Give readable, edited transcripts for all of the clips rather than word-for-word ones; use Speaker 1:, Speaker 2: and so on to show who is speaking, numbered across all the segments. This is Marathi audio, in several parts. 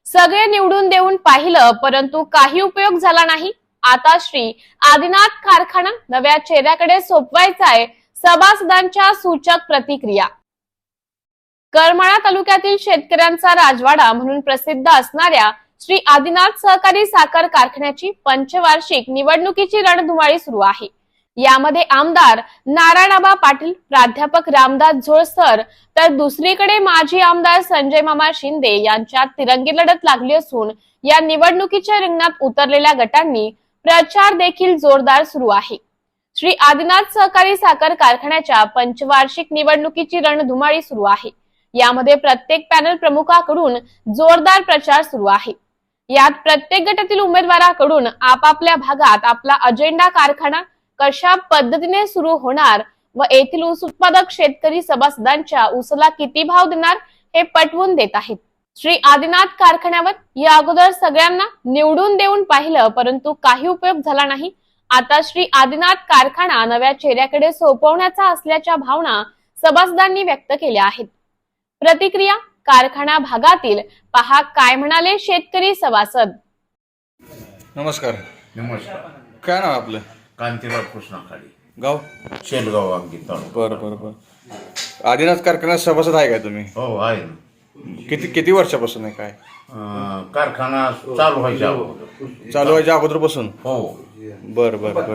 Speaker 1: सगळे निवडून देऊन पाहिलं परंतु काही उपयोग झाला नाही। आता श्री आदिनाथ कारखाना नव्या चेहऱ्याकडे सोपवायचाय, सभासदांच्या सूचक प्रतिक्रिया। करमाळा तालुक्यातील शेतकऱ्यांचा राजवाडा म्हणून प्रसिद्ध असणाऱ्या श्री आदिनाथ सहकारी साखर कारखान्याची पंचवार्षिक निवडणुकीची रणधुमाळी सुरू आहे। यामध्ये आमदार नारायणआबा पाटील, प्राध्यापक रामदास झोळसर तर दुसरीकडे माजी आमदार संजय मामा शिंदे यांच्यात तिरंगी लढत लागली असून या निवडणुकीच्या रिंगणात उतरलेल्या गटांनी प्रचार देखील जोरदार सुरू आहे। श्री आदिनाथ सहकारी साखर कारखान्याच्या पंचवार्षिक निवडणुकीची रणधुमाळी सुरू आहे। यामध्ये प्रत्येक पॅनल प्रमुखाकडून जोरदार प्रचार सुरू आहे। यात प्रत्येक गटातील उमेदवाराकडून आपापल्या भागात आपला अजेंडा, कारखाना कशा पद्धतीने सुरू होणार व येथील ऊस उत्पादक शेतकरी सभासदांच्या ऊसाला किती भाव देणार हे पटवून देत आहेत। श्री आदिनाथ कारखान्यावर या अगोदर सगळ्यांना निवडून देऊन पाहिलं परंतु काही उपयोग झाला नाही। आता श्री आदिनाथ कारखाना नव्या चेहऱ्याकडे सोपवण्याचा असल्याच्या भावना सभासदांनी व्यक्त केल्या आहेत। प्रतिक्रिया कारखाना भागातील पहा काय म्हणाले शेतकरी सभासद।
Speaker 2: नमस्कार।
Speaker 3: नमस्कार।
Speaker 2: काय नाव आपलं?
Speaker 3: कांतीराव कृष्णा खाडी,
Speaker 2: गाव
Speaker 3: शेलगाव, अंकित तालुका।
Speaker 2: बरं। आदिनाथ कारखान्यात सभासद आहे का तुम्ही?
Speaker 3: हो, आहे ना।
Speaker 2: किती वर्षापासून आहे काय?
Speaker 3: कारखाना चालू व्हायच्या अगोदर।
Speaker 2: चालू व्हायच्या अगोदरपासून?
Speaker 3: हो।
Speaker 2: बरं।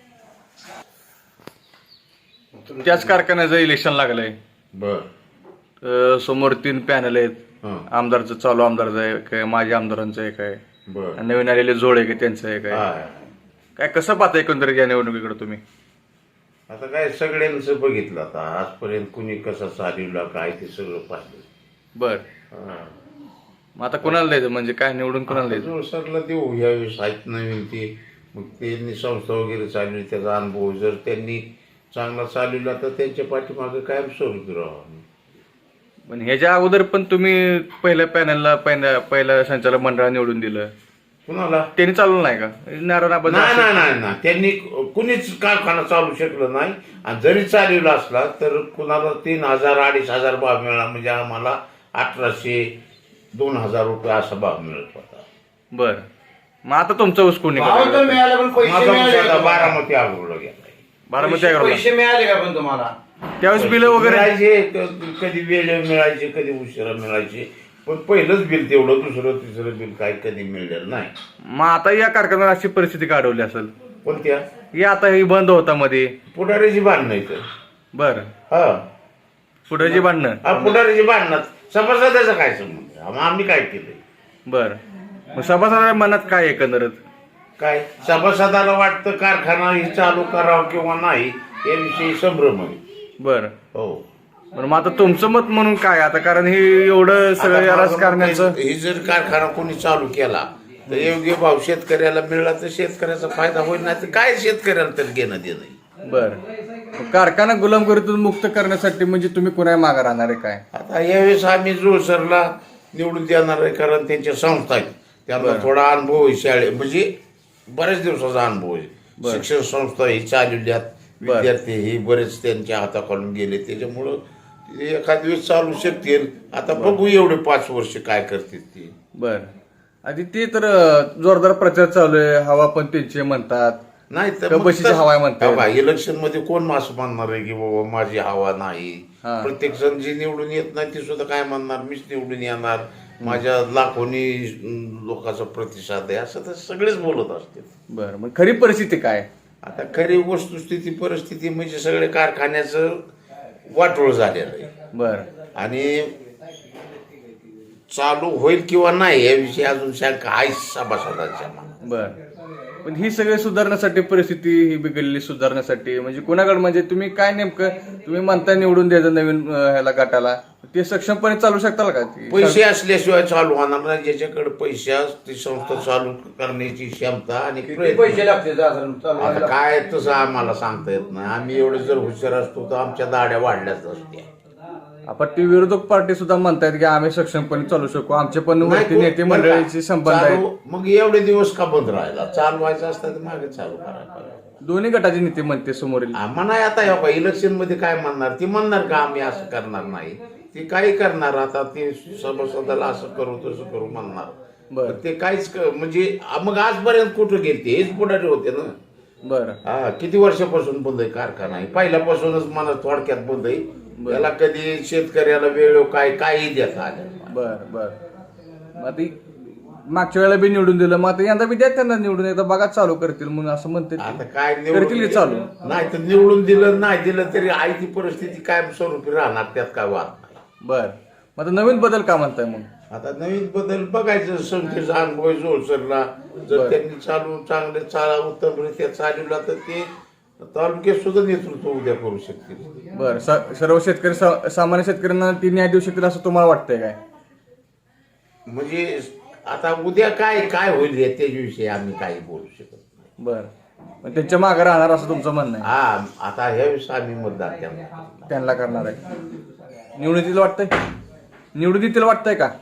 Speaker 2: त्याच कारखान्याचं इलेक्शन लागलंय।
Speaker 3: बर।
Speaker 2: समोर 3 पॅनल आहेत।
Speaker 3: हं.
Speaker 2: आमदारचं, चालू आमदारचं आहे काय, माजी आमदारांचं आहे काय,
Speaker 3: बर।
Speaker 2: नवीन आलेले जोड आहे त्यांचं आहे काय?
Speaker 3: आहे।
Speaker 2: काय कसं पाहता एकंदरीत या निवडणुकीकडे तुम्ही?
Speaker 3: आता काय सगळ्यांचं बघितलं, आता आजपर्यंत कुणी कसं चालवलं काय ते सगळं पाहिलं।
Speaker 2: बर। मग आता कोणाला द्यायचं, म्हणजे काय निवडून कोणाला द्यायचं?
Speaker 3: जोळसरला देऊ यावेळेस, आहेत नवीन ते। मग त्यांनी संस्था वगैरे चालवली, त्याचा अनुभव जर त्यांनी चांगला चालवला तर त्यांच्या पाठीमागे कायम स्वरूपी राहावं।
Speaker 2: पण ह्याच्या अगोदर पण तुम्ही पहिल्या पॅनलला पहिल्या संचालक मंडळाला निवडून दिलं,
Speaker 3: कुणाला?
Speaker 2: त्यांनी चालवलं नाही का?
Speaker 3: नाही, त्यांनी कुणीच कारखाना चालू शकलं नाही। आणि जरी चालवला असला तर कुणाला 3,000 2,500 भाव मिळाला, म्हणजे आम्हाला 1,800-2,000 रुपये असा भाव मिळत होता।
Speaker 2: बर। मग आता तुमचं ऊस कोणी?
Speaker 3: माझा बारामती आग्रोला गेला।
Speaker 2: बारामती आग्रोला
Speaker 4: पैसे मिळाले का पण तुम्हाला?
Speaker 2: त्यावेळेस बिल वगैरे
Speaker 3: मिळायचे, कधी वेळ मिळायचे, कधी उशिरा मिळायचे, पण पहिलंच बिल तेवढं, दुसरं तिसरं बिल काय कधी मिळलेलं नाही।
Speaker 2: मग आता या कारखान्यात अशी परिस्थिती काढवली असेल?
Speaker 3: कोणत्या?
Speaker 2: हे आता ही बंद होता मध्ये,
Speaker 3: पुढाऱ्याची भांडणं इथं।
Speaker 2: बर।
Speaker 3: हा,
Speaker 2: पुढे भांडणं?
Speaker 3: पुढाऱ्याची भांडणं। सभासदाचा काय संबंध? आम्ही काय केलंय?
Speaker 2: बर। मग सभासदाच्या मनात काय एकंदरीत?
Speaker 3: काय सभासदाला वाटतं कारखाना ही चालू करावं किंवा नाही याविषयी संभ्रम आहे।
Speaker 2: बर।
Speaker 3: हो।
Speaker 2: पण मग आता तुमचं मत म्हणून काय? आता कारण हे एवढं सगळं राजकारण्याचं,
Speaker 3: ही जर कारखाना कोणी चालू केला तर योग्य भाव शेतकऱ्याला मिळाला तर शेतकऱ्याचा फायदा होईल, नाही तर काय शेतकऱ्याला तर घेणं देणं।
Speaker 2: बर। कारखाना गुलामगिरीतून मुक्त करण्यासाठी म्हणजे तुम्ही कोणा मागे राहणार आहे काय?
Speaker 3: आता यावेळेस आम्ही जोळसरला निवडून देणार आहे, कारण त्यांच्या संस्था आहेत, त्यांना थोडा अनुभव आहे, शाळे म्हणजे बऱ्याच दिवसाचा अनुभव आहे। शिक्षण संस्था ही चालवल्यात, विद्यार्थी ही बरेच त्यांच्या हाताखालून गेले, त्याच्यामुळं एखाद दिवस चालू शकतील। आता बघू एवढे 5 वर्ष काय करतील ते।
Speaker 2: बर। आधी ते तर जोरदार प्रचार चालू आहे, हवा पण त्यांचे म्हणतात,
Speaker 3: नाही तर
Speaker 2: बशीची हवा म्हणतात।
Speaker 3: इलेक्शन मध्ये कोण असं म्हणणार आहे की बाबा माझी हवा नाही? प्रत्येक जण जे निवडून येत नाही ते सुद्धा काय म्हणणार, मीच निवडून येणार, माझ्या लाखोनी लोकांचा प्रतिसाद आहे, असं तर सगळेच बोलत असतील।
Speaker 2: बर। मग खरी परिस्थिती काय?
Speaker 3: आता खरी वस्तुस्थिती परिस्थिती म्हणजे सगळे कारखान्याचं वाटोळ झालेलं आहे।
Speaker 2: बर।
Speaker 3: आणि चालू होईल किंवा नाही याविषयी अजून शंका आहे सभासदांच्या मनात।
Speaker 2: बर। पण ही सगळी सुधारण्यासाठी, परिस्थिती ही बिघडलेली सुधारण्यासाठी म्हणजे कोणाकडे, म्हणजे तुम्ही काय नेमकं तुम्ही म्हणता निवडून द्यायचं नवीन ह्याला गटाला, ते सक्षमपणे चालू शकताल का?
Speaker 3: पैसे असल्याशिवाय चालू होणार नाही। ज्याच्याकडे पैसे ती संस्था चालू करण्याची क्षमता आणि
Speaker 4: पैसे लागते
Speaker 3: आता काय तसं आम्हाला सांगता येत नाही। आम्ही एवढे जर हुशार असतो तर आमच्या दाड्या वाढल्याच असत्या।
Speaker 2: आपण ती विरोधक पार्टी सुद्धा म्हणतायत की आम्ही सक्षमपणे चालू शकू, आमचे पण वरती नेते मंडळीचे संबंध आहेत।
Speaker 3: मग एवढे दिवस का बंद राहिला? चालवायचं असतं तर मागे चालू करायला.
Speaker 2: दोन्ही गटाचे नेते म्हणते समोरील
Speaker 3: म्हणा आता इलेक्शन मध्ये काय म्हणणार ती म्हणणार का आम्ही असं करणार नाही ती काही करणार आता ते सभासदाला असं करू तसं करू म्हणणार
Speaker 2: बरं.
Speaker 3: ते काहीच म्हणजे मग आजपर्यंत कुठं गेलते हेच पुढारी होते ना.
Speaker 2: बरं
Speaker 3: हा किती वर्षापासून बंद आहे कारखाना आहे पहिल्यापासूनच मला थोडक्यात बंद आहे त्याला कधी शेतकऱ्याला वेळ काही देता आलं
Speaker 2: बर बर मग आता मागच्या वेळेला बी निवडून दिलं मग आता यंदा बी द्या त्यांना निवडून एकदा बघा चालू करतील म्हणून असं म्हणते
Speaker 3: आता काय
Speaker 2: करतील की चालू
Speaker 3: नाही तर निवडून दिलं नाही दिलं तरी आई ती परिस्थिती कायमस्वरूपी राहणार त्यात काय वाद नाही.
Speaker 2: बर मग आता नवीन बदल का म्हणताय मग
Speaker 3: आता नवीन बदल बघायचं संख्येचा अनुभव जोडसरला जर त्यांनी चांगले उत्तमरित्या चालवला तर ते तालुक्यात सुद्धा नेतृत्व उद्या करू शकतील.
Speaker 2: बर सर्व शेतकरी सामान्य शेतकऱ्यांना ती न्याय देऊ शकतील असं तुम्हाला वाटतंय काय
Speaker 3: म्हणजे आता उद्या काय होईल त्याच्याविषयी आम्ही काही बोलू शकत नाही.
Speaker 2: बर मग त्यांच्या मागे राहणार असं तुमचं म्हणणं आहे
Speaker 3: हा आता ह्याविषयी आम्ही मतदान
Speaker 2: त्यांना करणार आहे निवडून देतील वाटतंय निवडून देतील वाटतंय का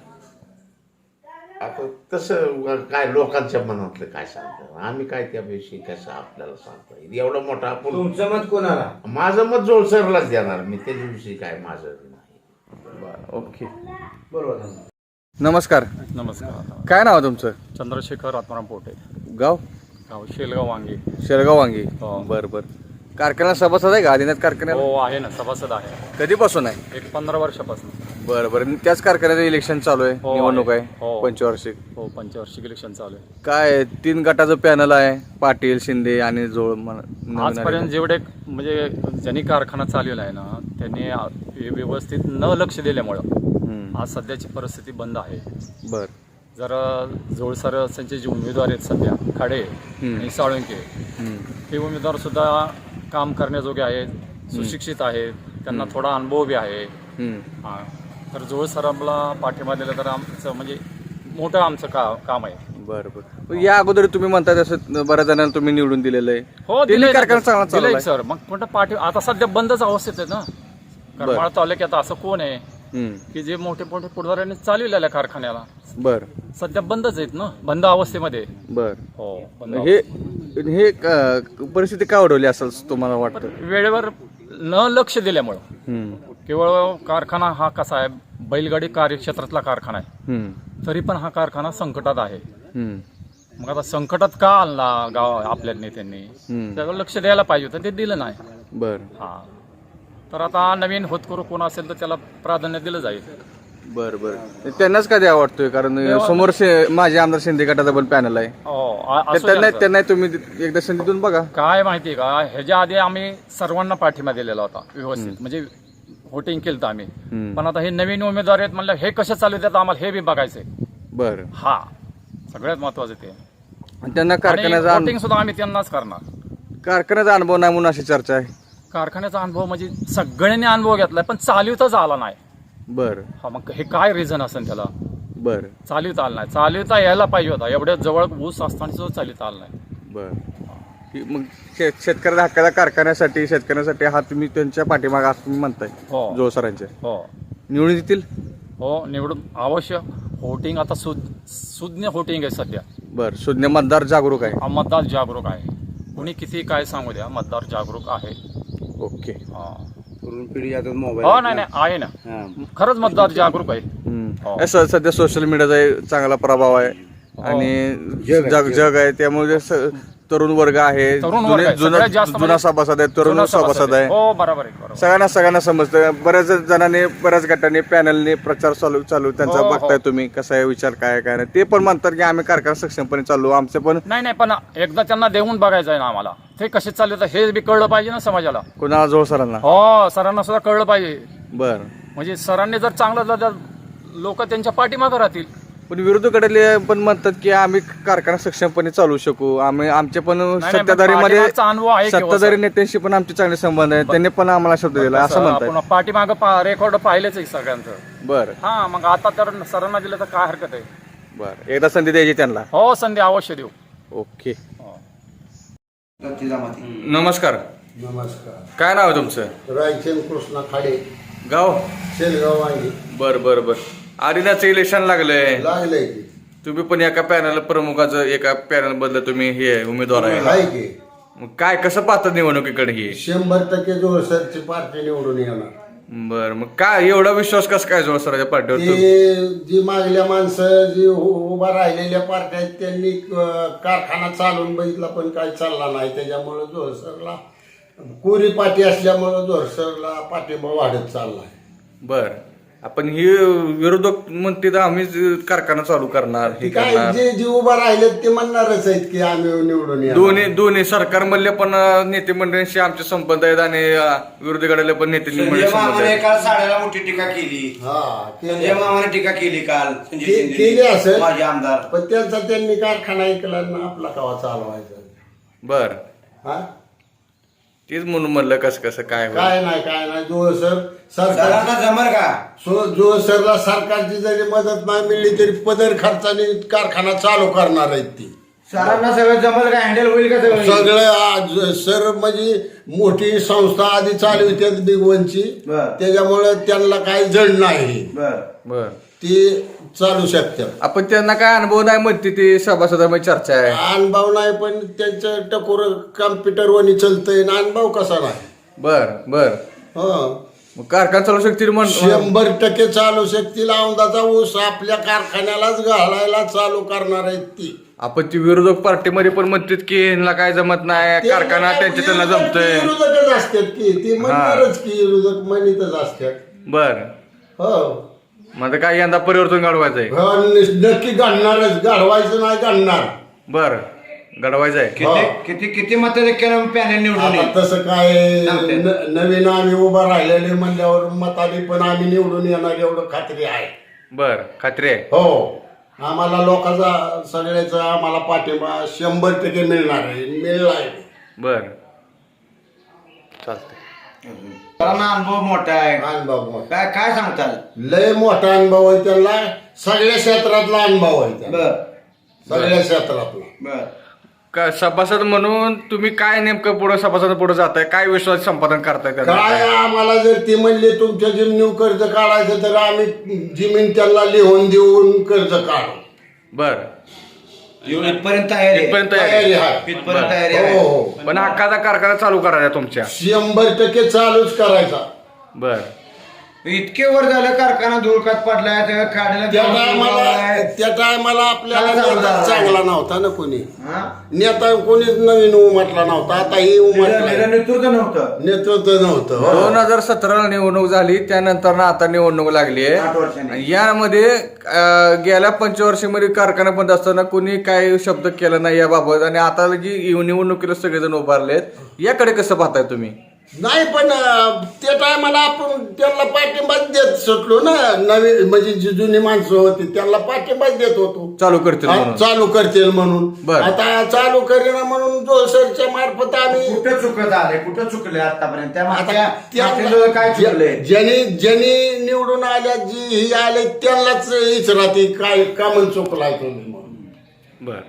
Speaker 3: आता तसं काय लोकांच्या मनातलं काय सांगतो आम्ही काय त्याविषयी कसं आपल्याला सांगता येईल एवढा मोठा आपण
Speaker 4: तुमचं मत कोणाला?
Speaker 3: माझं मत जोडसरलाच देणार मी त्याच्याविषयी काय माझं नाही.
Speaker 2: बर ओके
Speaker 4: बरोबर.
Speaker 2: नमस्कार
Speaker 5: नमस्कार.
Speaker 2: काय नाव आहे तुमचं
Speaker 5: चंद्रशेखर आत्माराम पोटे,
Speaker 2: गाव
Speaker 5: गाव शेलगाव वांगी.
Speaker 2: शेरगाव वांगी
Speaker 5: हो.
Speaker 2: बर बर कारखाना सभासद आहे का आदिनाथ कारखान्याला
Speaker 5: हो आहे ना, सभासद आहे.
Speaker 2: कधीपासून आहे
Speaker 5: एक 15 वर्षापासून.
Speaker 2: बरं बरं त्याच कारखान्याचं इलेक्शन चालू आहे
Speaker 5: हो,
Speaker 2: निवडणूक आहे
Speaker 5: हो.
Speaker 2: पंचवार्षिक
Speaker 5: हो, पंचवार्षिक इलेक्शन चालू आहे.
Speaker 2: काय 3 गटाचं पॅनल आहे पाटील शिंदे आणि जोळ नवीन
Speaker 5: आजपर्यंत
Speaker 2: आलेले.
Speaker 5: जेवढे म्हणजे ज्यांनी कारखाना चालवला आहे ना त्यांनी व्यवस्थित न लक्ष दिल्यामुळं
Speaker 2: हम्म.
Speaker 5: आज सध्याची परिस्थिती बंद आहे.
Speaker 2: बर
Speaker 5: जर जोळसर त्यांचे जे उमेदवार आहेत सध्या खाडे आणि साळुंके
Speaker 2: हम्म.
Speaker 5: हे उमेदवार सुद्धा काम करण्याजोगे आहेत, सुशिक्षित आहेत, त्यांना थोडा अनुभव बी आहे.
Speaker 2: हम्म.
Speaker 5: हा. तर जोळ सरांना पाठिंबा दिला तर आमचं म्हणजे मोठं आमचं काम आहे.
Speaker 2: बरं बरं या अगोदर तुम्ही म्हणता तसं बऱ्याच जणांना तुम्ही निवडून दिलेलं आहे
Speaker 5: हो
Speaker 2: त्यांनी
Speaker 5: दिलंय
Speaker 2: कारखाना चांगला
Speaker 5: दिलंय
Speaker 2: चालवलाय.
Speaker 5: सर. मग मोठं आता सध्या बंदच अवस्थेत आहे ना. करमाळा तालुक्यात असं कोण आहे
Speaker 2: हम्म.
Speaker 5: की जे मोठे मोठे पुढाऱ्यांनी चालवलेल्या कारखान्याला
Speaker 2: बर
Speaker 5: सध्या बंदच आहेत ना, बंद अवस्थेमध्ये.
Speaker 2: बर
Speaker 5: हो बंद
Speaker 2: हे हे परिस्थिती का ओढवली असं तुम्हाला वाटतं
Speaker 5: वेळेवर न लक्ष दिल्यामुळं.
Speaker 2: हम्म.
Speaker 5: केवळ कारखाना हा कसा आहे बैलगाडी कार्यक्षेत्रातला कारखाना आहे
Speaker 2: हम्म.
Speaker 5: तरी पण हा कारखाना संकटात आहे.
Speaker 2: हम्म.
Speaker 5: मग आता संकटात का आणला गाव आपल्या नेत्यांनी त्यावर लक्ष द्यायला पाहिजे होतं, ते दिलं नाही.
Speaker 2: बर
Speaker 5: हा तर आता नवीन होतकरू कोण असेल तर त्याला प्राधान्य दिलं जाईल.
Speaker 2: बर बर त्यांनाच का द्यावा वाटतोय कारण समोर माझे आमदार शिंदे गटाचा पण पॅनल आहे
Speaker 5: हो,
Speaker 2: तर
Speaker 5: असू द्या
Speaker 2: त्यांना
Speaker 5: सर.
Speaker 2: त्यांना तुम्ही एकदा संधी देऊन बघा
Speaker 5: काय माहिती का ह्याच्या आधी आम्ही सर्वांना पाठिंबा दिलेला होता व्यवस्थित, म्हणजे व्होटिंग केलं आम्ही. पण आता हे नवीन उमेदवार आहेत म्हणलं हे कसे चालू देतात आम्हाला हे बी बघायचंय.
Speaker 2: बर
Speaker 5: हा सगळ्यात महत्वाचं ते.
Speaker 2: त्यांना कारखान्याचा
Speaker 5: व्होटिंग सुद्धा आम्ही त्यांनाच करणार.
Speaker 2: कारखान्याचा अनुभव नाही म्हणून अशी चर्चा आहे.
Speaker 5: कारखान्याचा अनुभव म्हणजे सगळ्यांनी अनुभव घेतलाय पण चालवताच आला नाही.
Speaker 2: बर
Speaker 5: हा मग हे काय रिझन असेल त्याला.
Speaker 2: बर
Speaker 5: चालवता आलं नाही, चालवता यायला पाहिजे होता. एवढ्या जवळ ऊस असताना सुद्धा चालवता आलं नाही.
Speaker 2: बर मग शेतकऱ्याला हक्काच्या कारखान्यासाठी शेतकऱ्यांसाठी हा तुम्ही त्यांच्या पाठीमागे असं तुम्ही म्हणताय
Speaker 5: हो
Speaker 2: जोळ सरांच्या
Speaker 5: हो
Speaker 2: निवडून येतील.
Speaker 5: हो निवडून अवश्य. व्होटिंग आता सुज्ञ व्होटिंग आहे सध्या.
Speaker 2: बर सुज्ञ मतदार जागरूक आहे.
Speaker 5: हा मतदार जागरूक आहे. कुणी किती काय सांगू द्या, मतदार जागरूक आहे.
Speaker 2: ओके
Speaker 5: हा.
Speaker 4: तरुण पिढी आता मोबाईल
Speaker 5: हो नाही आहे ना, खरंच मतदार जागरूक आहे. हो.
Speaker 2: सध्या सोशल मीडियाचा चांगला प्रभाव आहे आणि जग आहे त्यामुळे तरुण वर्ग आहे
Speaker 5: तरुण वर्ग आहे.
Speaker 2: जुना
Speaker 5: सगळ्यात जास्त
Speaker 2: जुना सभासद आहे तरुण
Speaker 5: जुना
Speaker 2: सभासद आहे.
Speaker 5: हो बरोबर आहे, बरोबर.
Speaker 2: सगळ्यांना समजतं. बऱ्याच जणांनी बऱ्याच गटांनी पॅनलने प्रचार चालू त्यांचा
Speaker 5: हो, हो.
Speaker 2: बघताय तुम्ही कसा आहे विचार काय काय नाही ते पण म्हणतात की आम्ही कारखाना सक्षमपणे चालू आमचे पण
Speaker 5: नाही पण एकदा त्यांना देऊन बघायचं आहे ना आम्हाला. ते कसे चालले हे बी कळलं पाहिजे ना समाजाला.
Speaker 2: कुणाला जोळ सरांना.
Speaker 5: हो सरांना सुद्धा कळलं पाहिजे.
Speaker 2: बर
Speaker 5: म्हणजे सरांनी जर चांगलं झालं तर लोक त्यांच्या पाठीमागं राहतील.
Speaker 2: पण विरोधकाकडले पण म्हणतात की आम्ही कारखाना सक्षमपणे चालू शकू आम्ही आमचे पण
Speaker 5: नाही,
Speaker 2: सत्ताधारीमध्ये
Speaker 5: पाठीमागचा अनुभव आहे की हो,
Speaker 2: सत्ताधारी
Speaker 5: सर?
Speaker 2: नेत्यांशी पण आमचे चांगले संबंध आहेत त्यांनी पण आम्हाला शब्द दिला असं म्हणतात.
Speaker 5: आपण पाठीमागं रेकॉर्ड पाहिलेच आहे सगळ्यांचं.
Speaker 2: बर
Speaker 5: हा मग आता तर सरांना दिलं तर काय हरकत आहे.
Speaker 2: बर एकदा संधी द्यायची त्यांना.
Speaker 5: हो संधी अवश्य देऊ.
Speaker 2: ओके
Speaker 5: हो.
Speaker 2: नमस्कार
Speaker 6: नमस्कार.
Speaker 2: काय नाव आहे तुमचं.
Speaker 6: रायचंद कृष्णा खाडे,
Speaker 2: गाव.
Speaker 6: शेलगाव वांगी.
Speaker 2: बर बर बर आदिनाथचं इलेक्शन लागलंय
Speaker 6: लागलंय की
Speaker 2: तुम्ही पण एका पॅनल प्रमुखाचं एका पॅनल बदल तुम्ही हे उमेदवार आहे
Speaker 6: आहे की
Speaker 2: मग काय कसं पाहतात निवडणुकीकडे ही
Speaker 6: 100% जोळसरची पार्टी निवडून येणार.
Speaker 2: बर मग काय एवढा विश्वास कसं काय जोळ सरांच्या पार्टीवर
Speaker 6: ते जी मागल्या माणसं जी उभा राहिलेल्या पार्ट्या आहेत त्यांनी कारखाना चालून बघितला पण काही चालला नाही. त्याच्यामुळे जोळसरला कोरी पाठी असल्यामुळे जोळसरला पाठिंबा वाढत चाललाय.
Speaker 2: बर आपण ही विरोधक म्हणते तर आम्हीच कारखाना चालू करणार हे
Speaker 6: काय
Speaker 2: करणार
Speaker 6: जे जे उभा राहिलेत ते म्हणणारच आहेत की आम्ही निवडून येणार.
Speaker 2: दोन्ही सरकारमधले पण नेते मंडळींशी आमचे संबंध आहेत आणि विरोधी गटाले पण नेते
Speaker 4: संजय
Speaker 2: मंडळी संबंध
Speaker 4: मामाने
Speaker 2: आहेत.
Speaker 4: काल साड्याला मोठी टीका केली.
Speaker 6: हा
Speaker 4: संजय मामाने टीका केली काल. संजय
Speaker 6: केली
Speaker 4: शिंदे
Speaker 6: असेल
Speaker 4: माझे आमदार.
Speaker 6: पण त्यांचा त्यांनी कारखाना ऐकला ना आपला कवा चालवायचा.
Speaker 2: बर
Speaker 6: हा
Speaker 2: तेच म्हणून म्हणलं कसं काय होईल.
Speaker 6: काय नाही जोळसर सरकार
Speaker 4: सरांना जमर का?
Speaker 6: जोळसरला सरकारची जरी मदत नाही मिळली तरी पदर खर्चाने कारखाना चालू करणार आहेत ती.
Speaker 4: सरांना सगळं जमल का? हँडल होईल का सगळं?
Speaker 6: सगळं आज सर म्हणजे मोठी संस्था आधी चालू होती बिग वनची.
Speaker 4: बरं.
Speaker 6: त्याच्यामुळे त्यांना काही जड नाही
Speaker 4: बर.
Speaker 2: बर
Speaker 6: ती चालू शकतात.
Speaker 2: आपण त्यांना काय अनुभव नाही म्हणते ती सभासदामध्ये चर्चा आहे.
Speaker 6: अनुभव नाही पण त्यांचं टकोर कम्प्युटर वनी चलतंय ना अनुभव कसा नाही.
Speaker 2: बर बर
Speaker 6: हं
Speaker 2: मग कारखाना चालू शकतील म्हण
Speaker 6: 100% चालू शकतील. औंदाचा ऊस आपल्या कारखान्यालाच घालायला चालू करणार आहेत ती.
Speaker 2: आपण ती विरोधक पार्टीमध्ये पण म्हणतात की ह्यांना काय जमत नाही कारखाना त्यांच्या त्यांना जमतोय.
Speaker 6: विरोधकच असतात की ती म्हणणारच की विरोधक म्हणतच असतात.
Speaker 2: बर
Speaker 6: हो
Speaker 2: मग काय यंदा परिवर्तन घडवायचंय.
Speaker 6: नक्की घडणारच. घडवायचं नाही घडणार.
Speaker 2: बर घडवायचंय.
Speaker 4: किती मताधिक्यानं पॅनल निवडून
Speaker 6: आता
Speaker 4: येईल?
Speaker 6: तसं काय नवीन आम्ही उभा राहिलेले म्हणल्यावर मताने पण आम्ही निवडून येणार एवढं खात्री आहे.
Speaker 2: बर खात्री आहे.
Speaker 6: हो आम्हाला लोकांचा सगळ्याचा आम्हाला पाठिंबा 100% मिळणार आहे. मिळलाय.
Speaker 2: बर चालतंय.
Speaker 4: सरांना अनुभव मोठा आहे.
Speaker 6: अनुभव
Speaker 4: काय काय सांगताल?
Speaker 6: लय मोठा अनुभव आहे त्यांना. सगळ्या क्षेत्रातला अनुभव आहे त्यांना.
Speaker 4: बर
Speaker 6: सगळ्या क्षेत्रातला.
Speaker 4: बर.
Speaker 2: काय सभासद म्हणून तुम्ही काय नेमकं पुढे सभासद पुढे जाताय काय विश्वास संपादन करताय त्यांना
Speaker 6: काय
Speaker 2: काय?
Speaker 6: आम्हाला जर ती म्हणली तुमच्या जमिनीवर कर्ज काढायचं तर आम्ही जमीन त्यांना लिहून देऊन कर्ज काढू.
Speaker 2: बर
Speaker 4: इथपर्यंत तयारी आहे.
Speaker 2: इथपर्यंत तयारी
Speaker 6: तयारी
Speaker 2: आहे.
Speaker 6: आहे.
Speaker 4: इथपर्यंत तयारी
Speaker 6: हो
Speaker 4: आहे.
Speaker 6: हो
Speaker 2: पण हक्काचा कारखाना चालू करायचा तुमच्या.
Speaker 6: 100% चालूच करायचा.
Speaker 2: बर
Speaker 4: इतके वर झालं कारखाना धुळकात पडलाय त्या
Speaker 6: त्या टायमाला आपल्याला
Speaker 4: काय चालू
Speaker 6: नेता
Speaker 4: झालं?
Speaker 6: चांगला नव्हता ना कोणी.
Speaker 4: हा?
Speaker 6: नेता कोणीच नवीन उमटला नव्हता. आता ही उमटला.
Speaker 4: नेतृत्व नव्हतं.
Speaker 6: नेतृत्व नव्हतं. हो.
Speaker 2: 2017 निवडणूक झाली त्यानंतर ना आता निवडणूक लागली
Speaker 4: 8
Speaker 2: आहे.
Speaker 4: वर्षांनी.
Speaker 2: यामध्ये गेल्या पंचवर्षीमध्ये कारखाना बंद असताना कोणी काय शब्द केला नाही याबाबत आणि आता जी निवडणुकीला सगळेजण उभारलेत याकडे कसं पाहताय तुम्ही.
Speaker 6: नाही पण त्या टायमाला आपण त्यांना पाठिंबाच देत सुटलो ना. नवीन म्हणजे जी जुनी माणसं होती त्यांना पाठिंबाच देत होतो.
Speaker 2: चालू करतील
Speaker 6: हा,
Speaker 2: म्हणून.
Speaker 6: चालू करतील म्हणून.
Speaker 2: बरं.
Speaker 6: आता चालू करेना म्हणून जोळसरच्या मार्फत आम्ही
Speaker 4: कुठं चुकत आले कुठं चुकले आतापर्यंत त्या मागच्या
Speaker 6: त्या-
Speaker 4: काय चुकले?
Speaker 6: ज्यांनी निवडून आल्या जी ही आले त्यांनाच विचारते काय कामन चुकलाय तुम्ही म्हणून.
Speaker 2: बर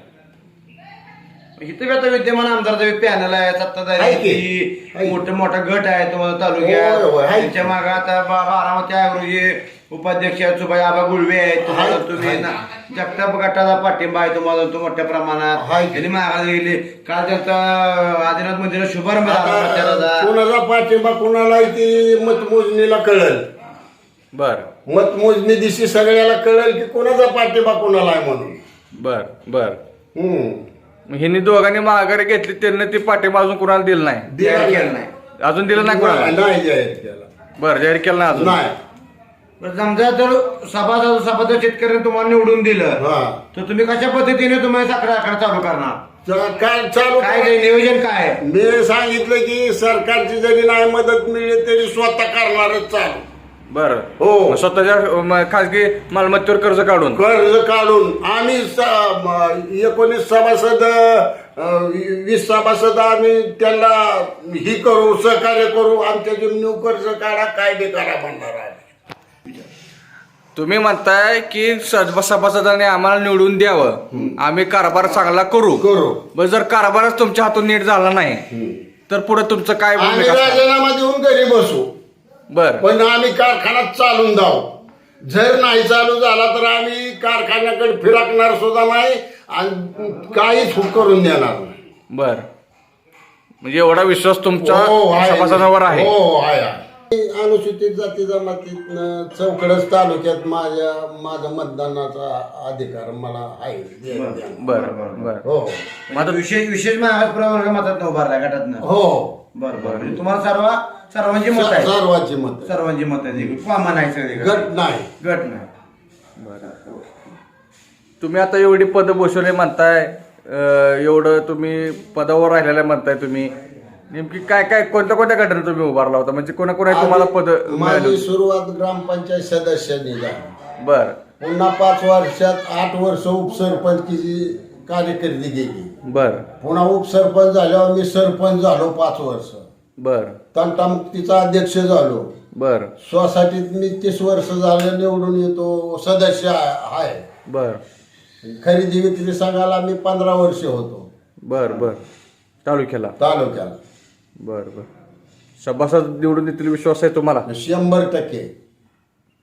Speaker 4: इथे आता विद्यमान आमदार पॅनल आहे
Speaker 6: आहे की?
Speaker 4: सत्ताधारी
Speaker 6: आहे.
Speaker 4: मोठा गट आहे तुम्हाला
Speaker 6: होय,
Speaker 4: तालुक्यात
Speaker 6: होय, आहे.
Speaker 4: त्यांच्या मागे आता बारामती आयोगे उपाध्यक्ष आहेत सुभाई आबा गुळवे आहेत तुम्हाला
Speaker 6: आहे.
Speaker 4: तुम्ही
Speaker 6: आहे.
Speaker 4: ना जगताप गटाचा पाठिंबा आहे तुम्हाला तो मोठ्या प्रमाणात
Speaker 6: आहे.
Speaker 4: त्यांनी मागायला गेले काल त्यांचा आदिनाथ मंदिरात शुभारंभ झाला
Speaker 6: आता
Speaker 4: प्रचाराचा.
Speaker 6: कोणाचा पाठिंबा कोणाला ती मतमोजणीला कळल.
Speaker 2: बर
Speaker 6: मतमोजणी दिवशी सगळ्याला कळल की कोणाचा पाठिंबा कोणाला आहे म्हणून.
Speaker 2: बर बर
Speaker 6: हम्म.
Speaker 2: मग ह्यांनी दोघांनी माघारी घेतली त्यांनी ती पाठिंबा अजून कोणाला दिलं नाही.
Speaker 4: जाहीर केलं नाही.
Speaker 2: अजून दिलं नाही कोणाला.
Speaker 6: नाही जाहीर केला.
Speaker 2: बर जाहीर केलं नाही अजून.
Speaker 6: नाही.
Speaker 4: बरं, समजा जर सभासद शेतकऱ्यांनी तुम्हाला निवडून दिलं
Speaker 6: हा
Speaker 4: तर तुम्ही कशा पद्धतीने तुम्ही साखर कारखाना चालू करणार?
Speaker 6: काय चालू
Speaker 4: काय ते नियोजन काय आहे?
Speaker 6: मी सांगितलं की सरकारची जरी नाही मदत मिळली तरी स्वतः करणारच चालू.
Speaker 2: बर
Speaker 6: हो.
Speaker 2: मग स्वतःच्या खासगी मालमत्तेवर कर्ज काढून
Speaker 6: कर्ज काढून आम्ही 19 सभासद 20 सभासद आम्ही त्यांना ही करू सहकार्य करू. आमच्या जमिनीवर कर्ज काढा काय बी करा म्हणणार आहे.
Speaker 2: तुम्ही म्हणताय की सभासदांनी आम्हाला निवडून द्यावं आम्ही कारभार चांगला करू. बस जर कारभारच तुमच्या हातून नीट झाला नाही तर पुढे तुमचं काय
Speaker 6: आम्ही
Speaker 2: भूमिका असणार?
Speaker 6: राजीनामा देऊन घरी बसू
Speaker 2: बर
Speaker 6: पण आम्ही कारखाना चालून जाऊ. जर नाही चालू झाला तर आम्ही कारखान्याकडे फिरकणार सुद्धा नाही आणि काहीच करून देणार नाही.
Speaker 2: बर म्हणजे एवढा विश्वास तुमच्या
Speaker 6: हो, आहे.
Speaker 2: सभासदांवर आहे.
Speaker 6: हो आहे. अनुसूचित जाती जमातीतनं चौकडच तालुक्यात माझा मतदानाचा अधिकार मला आहे.
Speaker 2: बरं बरं.
Speaker 6: हो
Speaker 4: आता विशेष प्रवर्ग मतात उभारला गटातनं.
Speaker 6: हो
Speaker 4: बरं म्हणजे तुम्हाला सर्वांची मत आहे.
Speaker 6: सर्वांची मत
Speaker 4: सर्वांची मत आहे कॉमन आहे सगळे
Speaker 6: गट नाही.
Speaker 4: गट नाही.
Speaker 2: तुम्ही आता एवढी पद बसवले म्हणताय, एवढं तुम्ही पदावर राहिलेलं म्हणताय, तुम्ही नेमकी काय कोणत्या गटाने तुम्ही उभारला होता, म्हणजे कोणा तुम्हाला पद
Speaker 6: माझी सुरुवात ग्रामपंचायत सदस्यांनी झाली.
Speaker 2: बर
Speaker 6: पुन्हा 5 वर्षात 8 वर्ष उपसरपंचची कार्यकिर्दी गेली.
Speaker 2: बर
Speaker 6: पुन्हा उपसरपंच झाल्यावर मी सरपंच झालो 5 वर्ष.
Speaker 2: बर
Speaker 6: तंटामुक्तीचा अध्यक्ष झालो.
Speaker 2: बर
Speaker 6: सोसायटीत मी 30 वर्ष झालं निवडून येतो, सदस्य आहे.
Speaker 2: बर
Speaker 6: खरेदी विक्री संघाला मी 15 वर्ष होतो
Speaker 2: बर बर तालुक्याला.
Speaker 6: तालुक्याला.
Speaker 2: बर बर. सभासद निवडून येतील विश्वास आहे तुम्हाला?
Speaker 6: 100%.